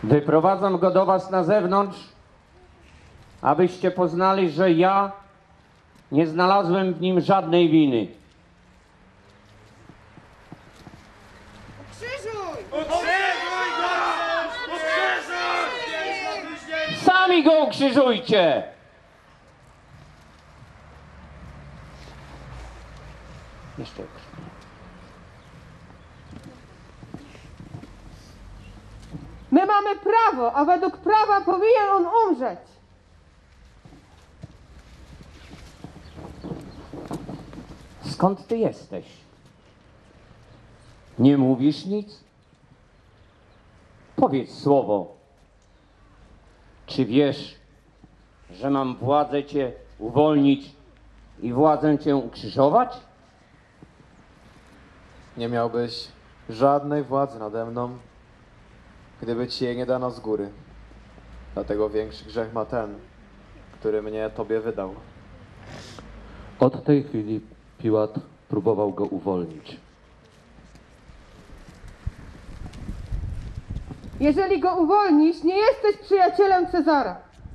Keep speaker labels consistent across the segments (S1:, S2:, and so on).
S1: Wyprowadzam go do was na zewnątrz, abyście poznali, że ja nie znalazłem w nim żadnej winy.
S2: Ukrzyżuj!
S3: Ukrzyżuj go! Ukrzyżuj!
S1: Sami go ukrzyżujcie! Jeszcze ukrzyżuj.
S2: My mamy prawo, a według prawa powinien on umrzeć.
S1: Skąd ty jesteś? Nie mówisz nic? Powiedz słowo. Czy wiesz, że mam władzę cię uwolnić i władzę cię ukrzyżować?
S4: Nie miałbyś żadnej władzy nade mną, gdyby ci jej nie dano z góry. Dlatego większy grzech ma ten, który mnie tobie wydał.
S5: Od tej chwili Piłat próbował go uwolnić.
S2: Jeżeli go uwolnisz, nie jesteś przyjacielem Cezara.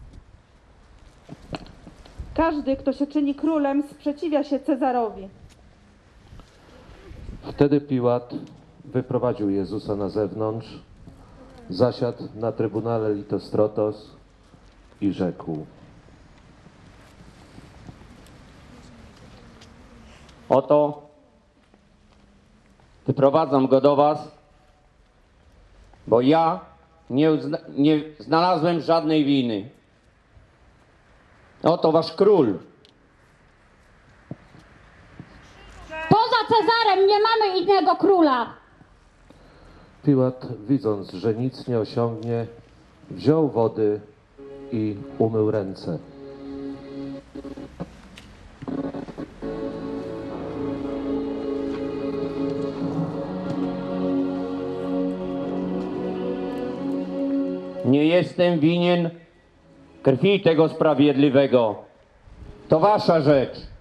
S2: Każdy, kto się czyni królem, sprzeciwia się Cezarowi.
S5: Wtedy Piłat wyprowadził Jezusa na zewnątrz, zasiadł na trybunale Litostrotos i rzekł:
S1: Oto wyprowadzam go do was, bo ja nie znalazłem żadnej winy. Oto wasz król.
S6: Poza Cezarem nie mamy innego króla.
S5: Piłat, widząc, że nic nie osiągnie, wziął wody i umył ręce.
S1: Nie jestem winien krwi tego sprawiedliwego. To wasza rzecz.